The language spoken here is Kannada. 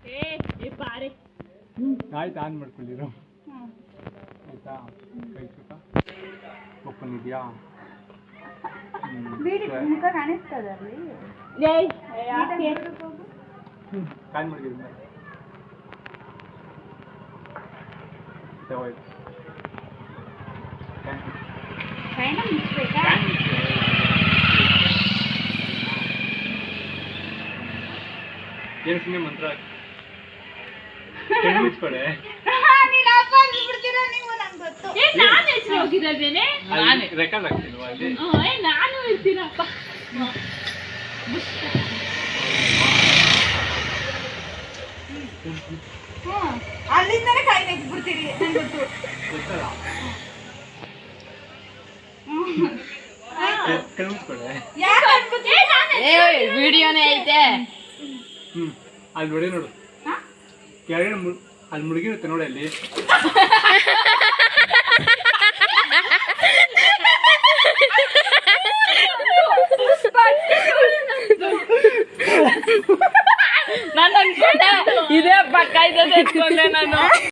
ಆಯ್ತು ಆನ್ ಮಾಡ್ಕೊಳ್ಳಿರು ಆಯ್ತಾ ಕೈ ಸುತ್ತ ಓಪನ್ ಇದೆಯಾ ಮುಖ ಕಾಣಿಸ್ತದಲ್ಲಿ ಕಾನ್ ಮಾಡಿದ್ರು ಏನು ಸುಮ್ಮನೆ ಮಂತ್ರ ಮುಚ್ಕೊಡೆ ರೆಕಾರ್ಡ್ ಆಗ್ತಿಲ್ವಾ ಅಲ್ಲಿ ನಾನು ಇರ್ತೀನಪ್ಪ ಅಲ್ಲಿಂದನೇ ಕೈ ನೆಕ್ಬಿಡ್ತೀರಿ ಗೊತ್ತು ಗೊತ್ತಲ್ಲ ಕಣ್ಮುಚ್ಕೊಡೆ ವಿಡಿಯೋನೇ ಐತೆ ಅಲ್ಲಿ ನೋಡಿ ನೋಡು ಕೆಳಗಡೆ ಅಲ್ಲಿ ಮುಳುಗಿರುತ್ತೆ ನೋಡಿ ಅಲ್ಲಿ ನಾನು ಅನ್ಕೊಂಡೆ ಇದೇ ಪಕ್ಕ ಇದ್ದದೆ ಎತ್ಕೊಂಡೆ ನಾನು